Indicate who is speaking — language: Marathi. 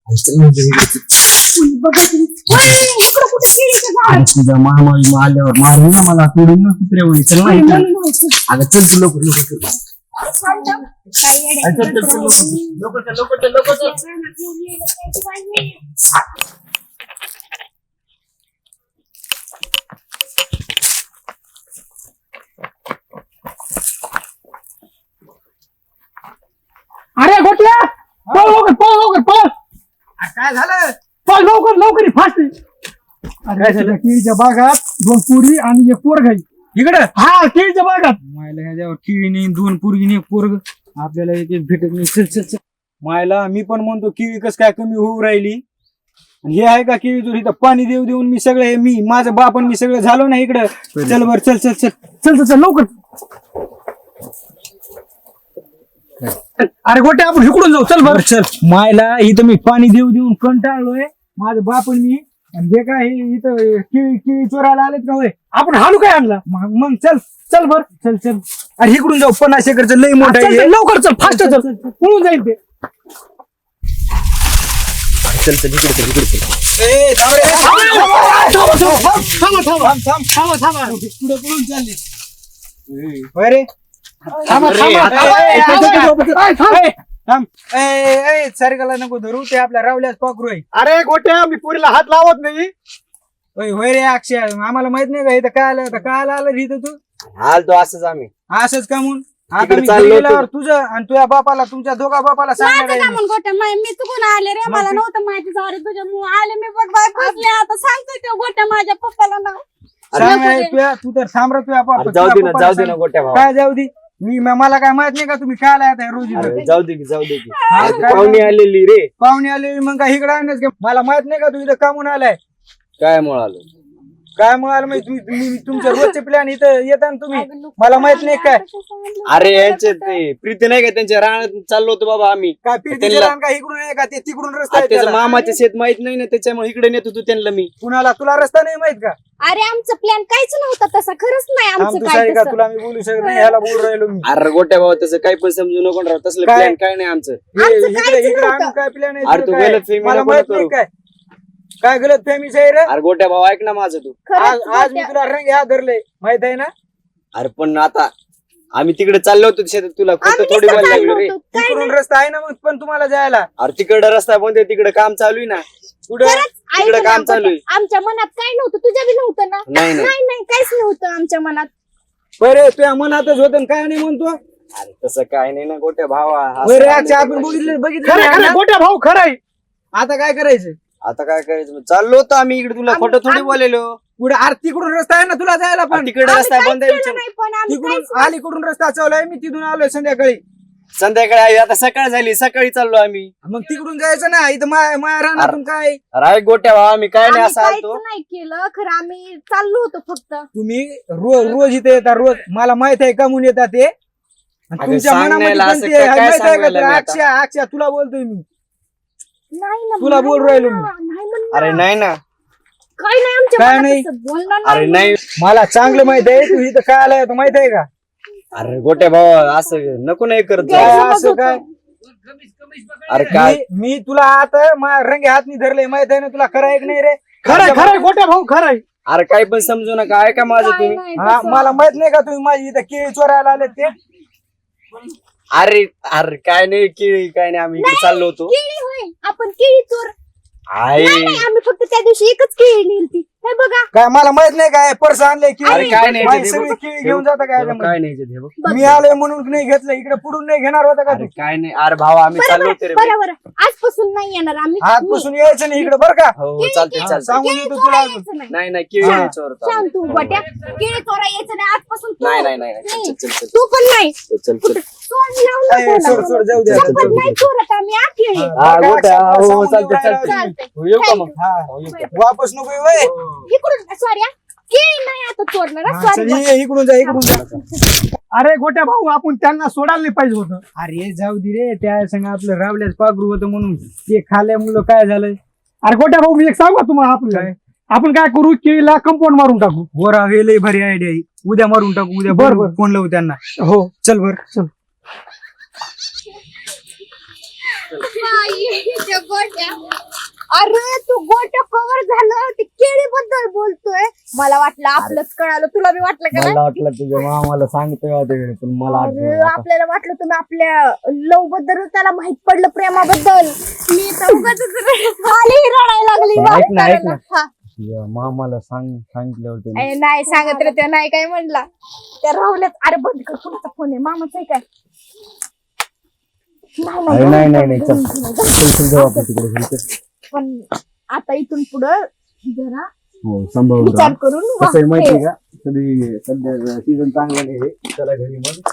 Speaker 1: तुझ्या महामारी आल्यावर मारून ना मला तोडून ना कुत्रे व्हायचं नाही. अगं चल तू लवकर
Speaker 2: अरे गोट्या पळ लवकर पळ लवकर पळ.
Speaker 3: काय झालं?
Speaker 2: पळ लवकर लवकर फास्ट. अरे केळीच्या बागात 2 पोरी आणि 1 पोरग आहे.
Speaker 3: इकडं
Speaker 2: हा केळीच्या बागात.
Speaker 3: मायला ह्या केळी नाही 2 पोरगी नाही 1 पोरग आपल्याला एक भेटत नाही. चल चल चल मायला मी पण म्हणतो केळी कस काय कमी होऊ राहिली. हे आहे का केळी तुझी इथं पाणी देऊ देऊन मी सगळे मी माझं बाप आणि मी सगळं झालो ना इकडं. चल बर चल चल चल
Speaker 2: चल चल चल लवकर. अरे गोट्या आपण इकडून जाऊ. चल बर
Speaker 3: चल मायला इथं मी पाणी देऊ देऊन कंटाळलोय माझं बाप आणि मी. आणि हे काय हे इथं केळी केळी चोरायला आलेत का होय.
Speaker 2: आपण हाणू काय आणला.
Speaker 3: मग चल
Speaker 2: चल बर
Speaker 3: चल चल. अरे इकडून जाऊ 50 एकरचं लई मोठं
Speaker 2: चल,
Speaker 3: आहे
Speaker 2: चल,
Speaker 3: हे.
Speaker 2: लवकर चल फास्ट चल पळून जाईल ते.
Speaker 1: चल चल इकडे चल इकडे चल.
Speaker 3: ए, थांब रे.
Speaker 2: थांबा थांबा
Speaker 3: थांब थांब
Speaker 2: थांबा थांबा.
Speaker 3: पुढे पळून चालले होय रे.
Speaker 2: थांबा थांबा.
Speaker 3: थांब सारखाला नको धरू ते आपल्या रावल्यास पाकरू आहे.
Speaker 2: अरे गोट्या मी पोरीला हात लावत नाही.
Speaker 3: होय रे अक्षय आम्हाला माहित नाही का इथं काय आलं तर काय आलं रे इथं तू
Speaker 1: आलतो असंच आम्ही.
Speaker 3: असंच का म्हणून आता
Speaker 1: तिकडे
Speaker 3: मी
Speaker 1: चाललो
Speaker 3: घरी
Speaker 1: होतो.
Speaker 3: गेल्यावर तुझं आणि तुझ्या बापाला तुमच्या दोघा बापाला सांगणार
Speaker 4: माझं
Speaker 3: आहे
Speaker 4: का
Speaker 3: मी.
Speaker 4: म्हणून गोट्या मी चुकून आले रे. मला नव्हतं माहिती. सॉरी तुझ्यामुळे आले मी बघ बाय फसले. आता सांगतोय ते गोट्या माझ्या पप्पाला नाव.
Speaker 3: सांगणार आहे तू तर थांब रे तुझ्या बापा
Speaker 1: जाऊ दे ना
Speaker 3: तुझ्या
Speaker 1: जाऊ दे
Speaker 3: पप्पाला
Speaker 1: ना गोट्या भाऊ.
Speaker 3: काय जाऊ दे मला काय माहित नाही का तुम्ही काय आलाय आता रोज इथं?
Speaker 1: अरे जाऊ दे की जाऊ दे की.
Speaker 3: हा,
Speaker 1: आज
Speaker 3: काय
Speaker 1: पाहुणे आलेली रे.
Speaker 3: पाहुणे आले मग काय इकडे आणच का मला माहित नाही का तू इथं कामून आलाय.
Speaker 1: काय म्हणालो
Speaker 3: काय म्हणाल तुम्ही तुमच्या रोजचे प्लॅन इथं येता ना तुम्ही मला माहित नाही काय.
Speaker 1: अरे यांचे ते प्रीती नाही का त्यांच्या रानात चाललो होतो बाबा आम्ही.
Speaker 3: काय फिरती
Speaker 1: त्यांना-
Speaker 3: का इकडून आहे का ते तिकडून रस्ता आहे
Speaker 1: त्याचं
Speaker 3: त्याला?
Speaker 1: मामाचे शेत माहित नाही ना त्याच्यामुळे इकडे नेतो तू त्यांना मी.
Speaker 3: कुणाला तुला रस्ता नाही माहित का.
Speaker 4: अरे आमचं प्लॅन काहीच नव्हता तसा. खरंच नाही
Speaker 3: थांब
Speaker 4: आमचं
Speaker 3: तू
Speaker 4: काय
Speaker 3: सारी का
Speaker 4: तसं.
Speaker 3: तुला मी बोलू शकत नाही ह्याला बोलू राहिलो मी.
Speaker 1: अरे गोट्या भाऊ तसं काही पण समजू नको राव. तसलं
Speaker 3: काय?
Speaker 1: प्लॅन काय नाही आमचं.
Speaker 4: आमचं
Speaker 3: इकडे
Speaker 4: काहीच
Speaker 3: इकडे
Speaker 4: नव्हतं.
Speaker 3: आणून काय प्लॅन
Speaker 1: अरे तू गलतफहमी
Speaker 3: मला
Speaker 1: नको
Speaker 3: माहित
Speaker 1: करू.
Speaker 3: नाही काय गलत फॅमिली आहे रे.
Speaker 1: अरे गोट्या भाऊ ऐक ना माझं तू.
Speaker 4: खरंच
Speaker 3: आज आज मी
Speaker 4: गोट्या-
Speaker 3: तुला रंग ह्या धरले माहित आहे ना.
Speaker 1: अरे पण आता आम्ही तिकडे चाललो होतो शेतात तुला खोटं
Speaker 4: आम्ही
Speaker 1: थोडी
Speaker 4: नुसतं
Speaker 1: बोलायला
Speaker 4: चाललो
Speaker 1: लागलो रे.
Speaker 4: होतो. काय
Speaker 3: तिकडून रस्ता आहे ना मग पण तुम्हाला जायला
Speaker 1: अरे तिकडे रस्ता बंद आहे तिकडे काम चालू आहे ना.
Speaker 3: कुठं
Speaker 4: खरंच ऐक
Speaker 1: तिकडे
Speaker 4: ना
Speaker 1: काम चालू आहे.
Speaker 4: गोट्या. आमच्या मनात काय नव्हतं. तुझ्या बी नव्हतं ना.
Speaker 1: नाही नाही
Speaker 4: नाही नाही काहीच नव्हतं आमच्या मनात.
Speaker 3: बरे तुझ्या मनातच होतं काय नाही म्हणतो.
Speaker 1: अरे तसं काय नाही ना गोट्या भावा. असं
Speaker 3: बरे
Speaker 1: काय
Speaker 3: आजच्या
Speaker 1: नाही
Speaker 3: आपण
Speaker 1: करायचं.
Speaker 3: बघितलं
Speaker 2: खरं खरं गोट्या भाऊ खरं आहे.
Speaker 3: आता काय करायचं
Speaker 1: आता काय करायचं मग? चाललो होतो आम्ही इकडे तुला खोटं थोडी बोलेलो.
Speaker 3: पुढे तिकडून रस्ता आहे ना तुला जायला पण
Speaker 1: तिकडे
Speaker 4: आम्ही
Speaker 1: रस्ता
Speaker 4: काहीच
Speaker 1: बंद आहे
Speaker 4: केलं
Speaker 1: विचार.
Speaker 4: नाही पण आम्ही
Speaker 3: तिकडून
Speaker 4: काहीच-
Speaker 3: अलीकडून रस्ता चाललाय मी तिथून आलोय संध्याकाळी.
Speaker 1: संध्याकाळी आहे, आता सकाळ झाली सकाळी चाललो आम्ही.
Speaker 3: मग तिकडून जायचं ना इथं माया राहणार काय.
Speaker 1: अरे ऐक गोट्या भावा आम्ही काय नाही
Speaker 4: आम्ही
Speaker 1: असं
Speaker 4: काहीच
Speaker 1: आलतो.
Speaker 4: नाही केलं. खरं आम्ही चाललो होतो फक्त.
Speaker 3: तुम्ही रोज इथे येता रोज मला माहित आहे का म्हणून येतात ते. आणि
Speaker 1: अगं
Speaker 3: तुमच्या
Speaker 1: सांग
Speaker 3: मनामध्ये
Speaker 1: नाही,
Speaker 3: पण
Speaker 1: असं
Speaker 3: ते
Speaker 1: काय
Speaker 3: माहित आहे का
Speaker 1: सांगायला
Speaker 3: तुला?
Speaker 1: मी आता?
Speaker 3: अक्षय तुला बोलतोय मी.
Speaker 4: नाही ना
Speaker 3: तुला बोल राहिलो मी.
Speaker 4: नाही म्हणणार.
Speaker 1: अरे नाही ना.
Speaker 4: काय नाही आमच्या
Speaker 3: काय
Speaker 4: मनात
Speaker 3: नाही?
Speaker 4: तसं बोलणार
Speaker 1: अरे नाही.
Speaker 3: मला चांगलं माहित आहे तू इथं काय आलाय तो माहित आहे का.
Speaker 1: अरे गोट्या भावा असं नको नाही करत जाऊ.
Speaker 3: काय
Speaker 4: गैरसमज
Speaker 3: असं
Speaker 4: होतो.
Speaker 3: काय
Speaker 1: अरे काय
Speaker 3: मी तुला आता रंगे हातनी धरले माहित आहे ना तुला खरं आहे की नाही रे.
Speaker 2: खरं खरं गोट्या भाऊ खरं आहे.
Speaker 1: अरे काही पण समजू नका ऐका माझं
Speaker 4: काय
Speaker 1: तुम्ही.
Speaker 4: नाही
Speaker 3: हा,
Speaker 4: तसं.
Speaker 3: मला माहित नाही का तुम्ही माझी इथं केळी चोरायला आले ते.
Speaker 1: अरे अरे काय नाही केळी काय नाही आम्ही इकडे चाललो होतो.
Speaker 4: केळी होय. आपण केळी चोर.
Speaker 1: आहे
Speaker 4: नाही नाही, आम्ही फक्त त्या दिवशी एकच केळी नेलती. हे बघा
Speaker 3: काय मला माहित नाही काय पर्स आणले की
Speaker 1: अरे काय नाही
Speaker 3: माझी
Speaker 1: ते
Speaker 3: सगळी
Speaker 1: बघ.
Speaker 3: केळी घेऊन जाता काय
Speaker 1: हे बघ,
Speaker 3: याच्यामध्ये?
Speaker 1: काय नाही ते बघ.
Speaker 4: बघ.
Speaker 3: मी आलोय म्हणून नाही घेतलं इकडे पुढून नाही घेणार होता का
Speaker 1: अरे
Speaker 3: तू.
Speaker 1: काय नाही अरे भावा आम्ही चाललो होतो रे बाई.
Speaker 4: बरोबर आजपासून नाही येणार आम्ही.
Speaker 3: आजपासून यायचं नाही इकडे बरं का.
Speaker 1: हो
Speaker 4: केळी-
Speaker 1: चालते
Speaker 4: केळी-
Speaker 1: चालते.
Speaker 3: सांगून
Speaker 4: केळी
Speaker 3: देतो
Speaker 4: चोरा
Speaker 3: तुला अजून.
Speaker 4: यायचं नाही.
Speaker 1: नाही नाही केळी
Speaker 3: हा.
Speaker 1: नाही चोरत
Speaker 4: सांग
Speaker 1: आम्ही.
Speaker 4: तू गोट्या. केळी चोरा यायचं नाही आजपासून तू.
Speaker 1: नाही नाही नाही नाही.
Speaker 4: नाही.
Speaker 1: चल चल चल
Speaker 4: तू पण नाही.
Speaker 1: चल चल
Speaker 4: सोड लावून
Speaker 3: ए,
Speaker 4: नको
Speaker 3: सोड,
Speaker 4: ना.
Speaker 3: सोड, जाऊ दे.
Speaker 4: शपथ नाही चोरत आम्ही आ केळी.
Speaker 1: हा
Speaker 3: बघा,
Speaker 1: गोट्या
Speaker 3: अक्षय,
Speaker 1: हो
Speaker 3: सांगून
Speaker 1: चालते
Speaker 3: देऊ राहिला
Speaker 1: चालते.
Speaker 4: चालतंय.
Speaker 1: हो, येऊ का मग?
Speaker 3: हा, हो, येतो. वापस नको येऊ, वय.
Speaker 4: इकडून सॉरी केळी नाही आता चोरणार
Speaker 3: हा,
Speaker 4: सॉरी.
Speaker 3: चल, ये, इकडून जा इकडून जा.
Speaker 2: अरे गोट्या भाऊ आपण त्यांना सोडायला नाही पाहिजे होतं.
Speaker 3: अरे जाऊ दे रे त्या संग आपलं रावल्याच पागरू होतं म्हणून ते खाल्ल्यामुळं काय झालंय.
Speaker 2: अरे गोट्या भाऊ मी एक सांगू का तुम्हाला आपलं
Speaker 3: काय?
Speaker 2: आपण काय करू केळीला कंपाऊंड मारून टाकू.
Speaker 3: गोरा हे लय भारी आयडिया आहे. उद्या मारून टाकू उद्या
Speaker 2: बरं, बरं.
Speaker 3: फोन लावू त्यांना.
Speaker 2: हो
Speaker 3: चल बर
Speaker 2: चल.
Speaker 4: बाई, त्या गोट्या
Speaker 5: अरे तू गोट्या कव्हर झालं ते केळीबद्दल बोलतोय. मला वाटलं आपलंच कळालं, तुला बी वाटलं का?
Speaker 1: मला वाटलं तुझ्या मामाला सांगतोय होते पण मला
Speaker 5: अरे
Speaker 1: आठवलं.
Speaker 5: आपल्याला वाटलं तुम्ही आपल्या लव बद्दल त्याला माहित पडलं, प्रेमाबद्दल.
Speaker 4: मी तर उगाच
Speaker 5: खाली रडायला लागली.
Speaker 1: पण ऐक ना, ऐक ना.
Speaker 5: हा.
Speaker 1: तुझ्या मामाला सांगितलं होतं
Speaker 5: ए, नाही सांगत रे, ते नाही काय म्हणला. त्या राहुल्यात. अरे बंद कर, कुणाचा फोन आहे? मामाचा आहे काय?
Speaker 1: अरे नाही नाही नाही चल चल चल जाऊ आपण तिकडे चल.
Speaker 5: पण आता इथून पुढं जरा
Speaker 1: हो सांभाळून
Speaker 5: विचार
Speaker 1: राहा.
Speaker 5: करून
Speaker 1: कसं आहे
Speaker 5: वाग.
Speaker 1: माहिती का, सध्या सीझन चांगला नाही आहे. चला घरी मग